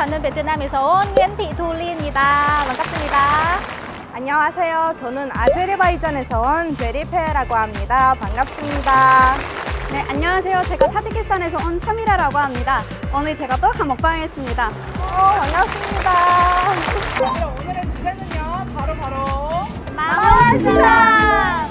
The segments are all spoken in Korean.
나는 베트남에서 온 옌티툴리입니다. 반갑습니다. 안녕하세요. 저는 아제르바이잔에서 온 제리페라고 합니다. 반갑습니다. 네, 안녕하세요. 제가 타지키스탄에서 온 사미라라고 합니다. 오늘 제가 떡한 먹방 했습니다. 반갑습니다. 그럼 오늘의 주제는요, 바로 망원시장!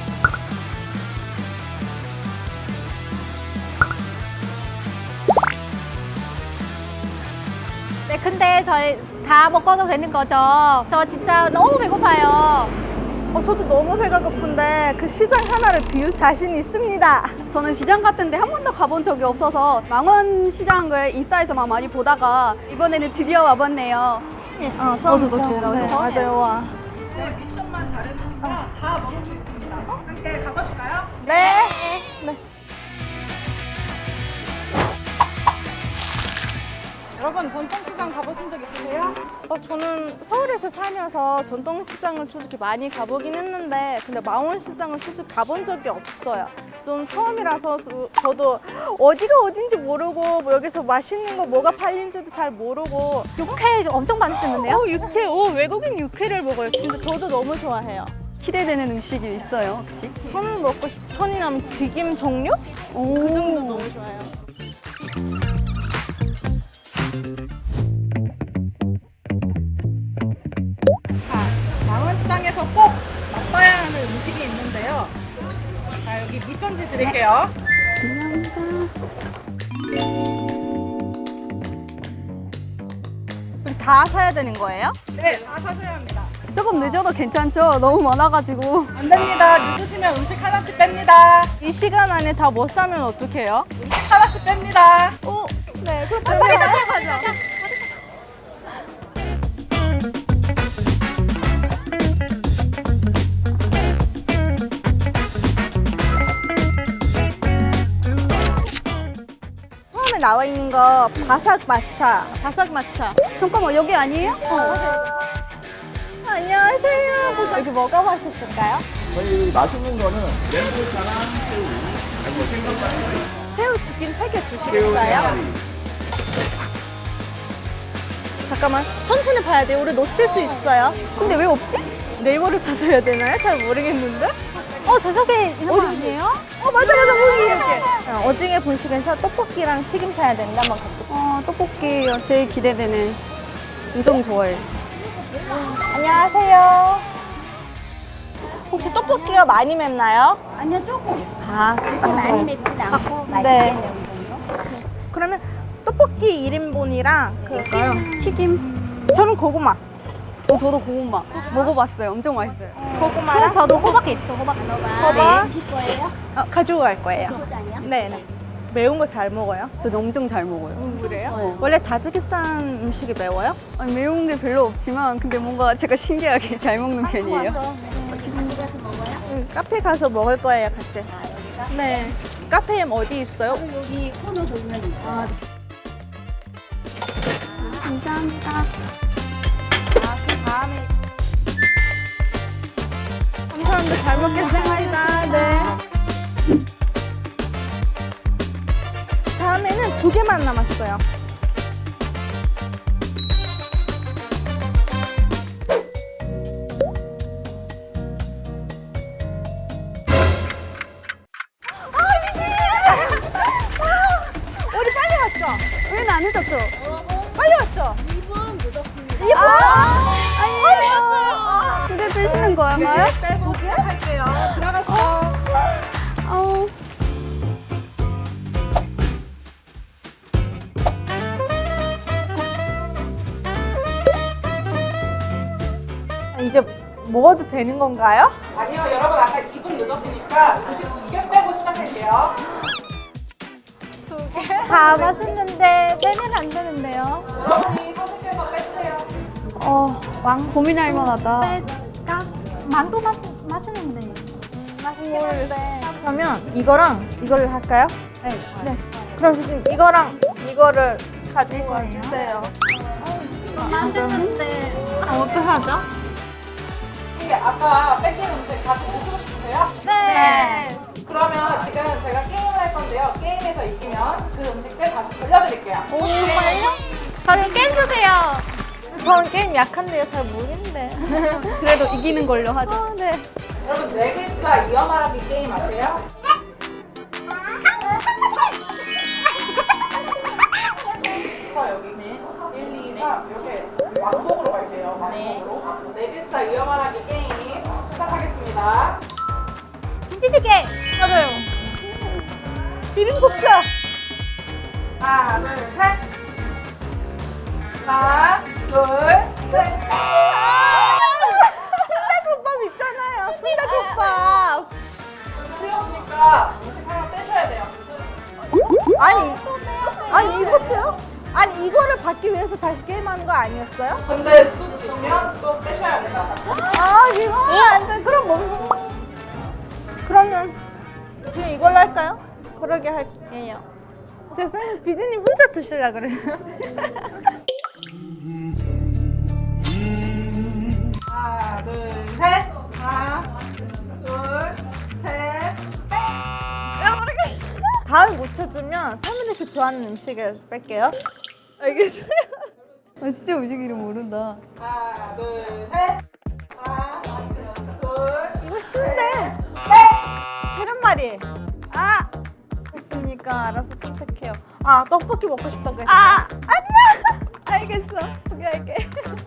네, 근데 저희 다 먹어도 되는 거죠? 저 진짜 너무 배고파요. 저도 너무 배가 고픈데 그 시장 하나를 비울 자신 있습니다. 저는 시장 같은데 한 번도 가본 적이 없어서 망원 시장을 인스타에서만 많이 보다가 이번에는 드디어 와봤네요. 저도 처음이에요. 맞아요. 와. 오늘 미션만 잘해주시면 다 먹을 수 있습니다. 함께 가보실까요? 네. 여러분, 전통시장 가보신 적 있으세요? 저는 서울에서 살면서 전통시장을 솔직히 많이 가보긴 했는데 근데 망원시장을 솔직히 가본 적이 없어요. 좀 처음이라서 저도 어디가 어딘지 모르고 뭐 여기서 맛있는 거 뭐가 팔린지도 잘 모르고 육회 엄청 많으셨는데요? 육회, 외국인 육회를 먹어요. 진짜 저도 너무 좋아해요. 기대되는 음식이 있어요, 혹시? 천을 먹고 천이라면 튀김 종류? 오, 그 정도 너무 좋아요. 자, 망원시장에서 꼭 맛봐야 하는 음식이 있는데요. 자, 여기 미션지 드릴게요. 다 사야 되는 거예요? 네, 다 사셔야 합니다. 조금 늦어도 괜찮죠? 너무 많아가지고. 안 됩니다. 늦으시면 음식 하나씩 뺍니다. 이 시간 안에 다 못 사면 어떡해요? 음식 하나씩 뺍니다. 네, 그럼 빨리 가자. 처음에 나와 있는 거 바삭 마차. 바삭 마차. 잠깐만, 여기 아니에요? 안녕하세요. 여기 뭐가 맛있을까요? 저희 맛있는 거는 렌토차랑 새우, 그리고 생선가리, 새우 튀김 3개 새우 주시겠어요? 생가리. 잠깐만, 천천히 봐야 돼요. 우리 놓칠 수 있어요. 근데 왜 없지? 네이버를 찾아야 되나요? 잘 모르겠는데? 저쪽에 있는 거 아니에요? 맞아, 거기 이렇게. 어징애 분식에서 떡볶이랑 튀김 사야 되는데 한번 가죠. 떡볶이 제일 기대되는. 엄청 좋아해. 안녕하세요. 혹시 떡볶이가 많이 맵나요? 아니요, 조금. 많이 맵진 않고 맛있게 네. 매운 정도. 그러면 떡볶이 1인분이랑 그럴까요? 튀김. 저는 고구마. 저도 고구마 먹어봤어요. 엄청 맛있어요. 고구마랑 저도 호박이 있죠, 호박. 호박 드실 거예요? 가지고 갈 거예요. 포장이요? 네. 매운 거 잘 먹어요? 저도 엄청 잘 먹어요. 그래요? 원래 타지키스탄 음식이 매워요? 아니, 매운 게 별로 없지만 근데 뭔가 제가 신기하게 잘 먹는 편이에요. 기분 가서 먹어요? 카페 가서 먹을 거예요, 같이. 네. 카페 어디 있어요? 여기 코너 보면 있어요. 감사합니다. 그 다음에. 감사합니다. 잘 먹겠습니다. 네. 다음에는 2개만 남았어요. 우리 빨리 왔죠? 왜 안 늦었죠? 빨리 왔죠? 2분 늦었습니다. 2분? 두개 빼시는 거였나요? 빼고 시작할게요. 들어가시죠. 아우. 이제 먹어도 되는 건가요? 아니요, 여러분 아까 2분 늦었으니까 음식 2개 빼고 시작할게요. 다 맛있는데 빼면 안 되는데요. 여러분이 선택해서 빼주세요. 고민할 만하다. 만두 맛있는데. 맛있겠는데. 그러면 이거랑 이거를 할까요? 네. 그럼 지금 이거랑 이거를 가지고 와주세요. 맛있는데. 어떡하죠? 이게 아까 뺏긴 음식 다시 드시고 싶으세요? 네. 그러면 지금 제가 게임을 할 건데요. 게임에서 이기면 그 음식들 다시 돌려드릴게요. 정말요? 저는 게임 주세요. 저는 게임 약한데요. 잘 모르는데. 그래도 이기는 걸로 하죠. 네. 여러분 네 글자 이어 말하기 게임 아세요? 자 여기는 1, 2, 3 이렇게 왕복으로 갈게요. 왕복으로. 네 글자 이어 말하기 게임 시작하겠습니다. 김치찌개. 맞아요. 비빔국수. 하나, 둘, 셋. 하나, 둘, 셋. 순대국밥 있잖아요. 순대국밥. 틀렸으니까 음식 하나 빼셔야 돼요. 아니 이거 빼요? 아니 이거를 받기 위해서 다시 게임하는 거 아니었어요? 근데 또 지시면 또 빼셔야 돼요. 아 이거 안 돼. 그럼 뭐? 그러면 그냥 이걸로 할까요? 그러게 할게요. 제 쌤은 비디님 혼자 드시려 그래요. 하나, 둘, 셋. 하나, 둘, 셋. 다음에 못 찾으면 사무님이 좋아하는 음식을 뺄게요. 알겠어요. 아, 진짜 음식 이름 모른다. 하나, 둘, 셋. 하나, 둘, 이거 쉬운데. 계란말이. 아! 됐으니까 알아서 선택해요. 아 떡볶이 먹고 싶다고 했죠. 아! 아니야! 알겠어. 포기할게.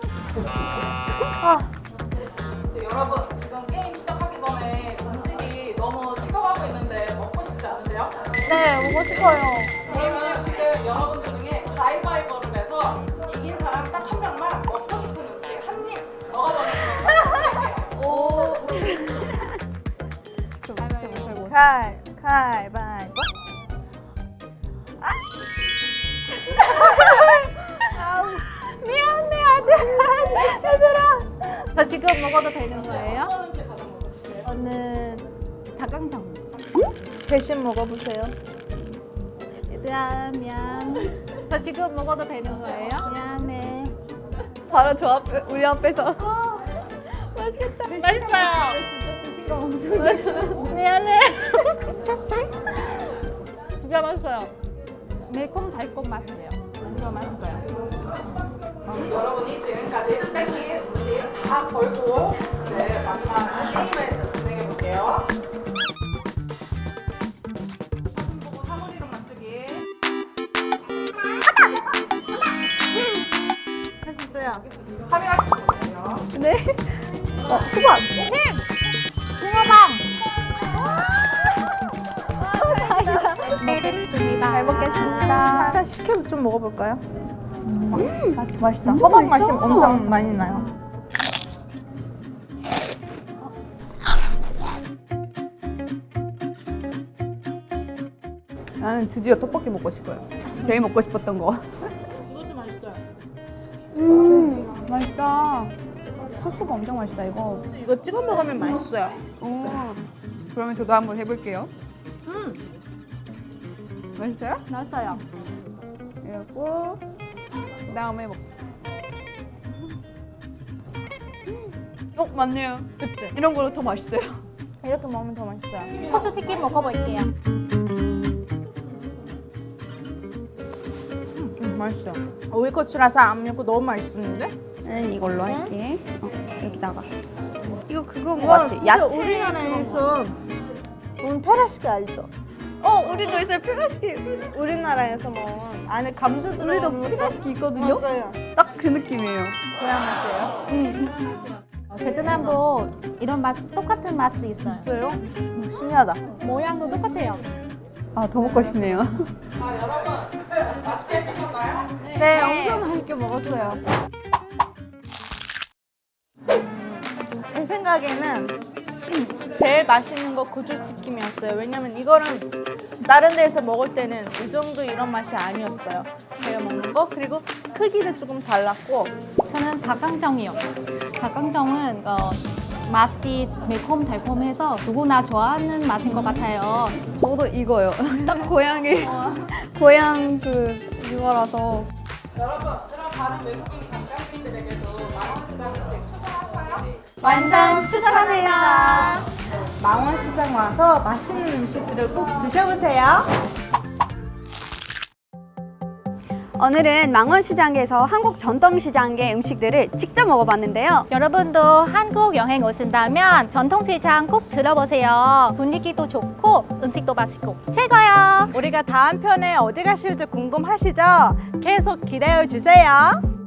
아, 네, 여러분 지금 게임 시작하기 전에 음식이 너무 식어가고 있는데 먹고 싶지 않으세요? 네 먹고 싶어요. 그러면 지금 여러분들 중에 가위바위보를 해서 이긴 사람 딱 한 명만 먹고 싶은 음식 한 입 먹어보는 거예요. 오. 가위바위보. 미안해 아들. 얘들아. 저 지금 먹어도 되는 거예요? 어떤 음식 가장 먹고 싶으세요? 저는 닭강정. 대신 먹어보세요. 얘들아 미안. 저 지금 먹어도 되는 거예요? 미안해. 바로 저 앞에, 우리 앞에서. 맛있겠다. 맛있어요. 미안해. 진짜 맛있어요. 매콤 달콤 맛이에요. 진짜 맛있어요. 여러분이 지금까지 뺏긴 음식 다 걸고 네, 마지막 게임을 진행해 볼게요. 사진 보고 사물이로 맞추기. 할 수 있어요. 카메라 보세요. 네? 수박. 먹겠습니다. 잘 먹겠습니다. 일단 식혜 좀 먹어볼까요? 맛있다. 호박 맛이 엄청 많이 나요. 나는 드디어 떡볶이 먹고 싶어요. 제일 먹고 싶었던 거. 이것도 맛있어요. 맛있다. 소스가 엄청 맛있다, 이거. 이거 찍어 먹으면 맛있어요. 오. 그러면 저도 한번 해볼게요. 맛있어요? 맛있어요. 이러고 그다음에 맞네요. 그치? 이런 걸로 더 맛있어요. 이렇게 먹으면 더 맛있어요. 고추 튀김 먹어볼게요. 맛있어요. 오이고추라서 안 맵고 너무 맛있는데? 나는 이걸로 할게. 여기다가. 이거 그건 거 이건 같아. 진짜 야채. 우리나라에서 페라시키 알죠? 우리도 있어요. 피라시키. 우리나라에서 먹은 안에 감자 들어간 우리도 피라시키 있거든요. 맞아요. 딱 그 느낌이에요. 고향 맛이에요? 베트남도 이런 맛 똑같은 맛이 있어요. 있어요? 신기하다. 모양도 똑같아요. 아, 더 먹고 싶네요. 자, 여러분 맛있게 드셨나요? 네, 엄청 맛있게 먹었어요. 제 생각에는 제일 맛있는 거 고추튀김이었어요. 왜냐면 이거는 다른 데에서 먹을 때는 이 정도 이런 맛이 아니었어요. 제가 먹는 거. 그리고 크기도 조금 달랐고 저는 닭강정이요. 닭강정은 맛이 매콤 달콤해서 누구나 좋아하는 맛인 것 같아요. 저도 이거요. 딱 고향의 고향 이거라서. 여러분 이런 다른 외국인 관광객들에게도 망원시장 음식 추천하시나요? 완전 추천합니다. 망원시장 와서 맛있는 음식들을 꼭 드셔보세요. 오늘은 망원시장에서 한국 전통시장의 음식들을 직접 먹어봤는데요. 여러분도 한국 여행 오신다면 전통시장 꼭 들어보세요. 분위기도 좋고 음식도 맛있고 최고요. 우리가 다음 편에 어디 가실지 궁금하시죠? 계속 기대해 주세요.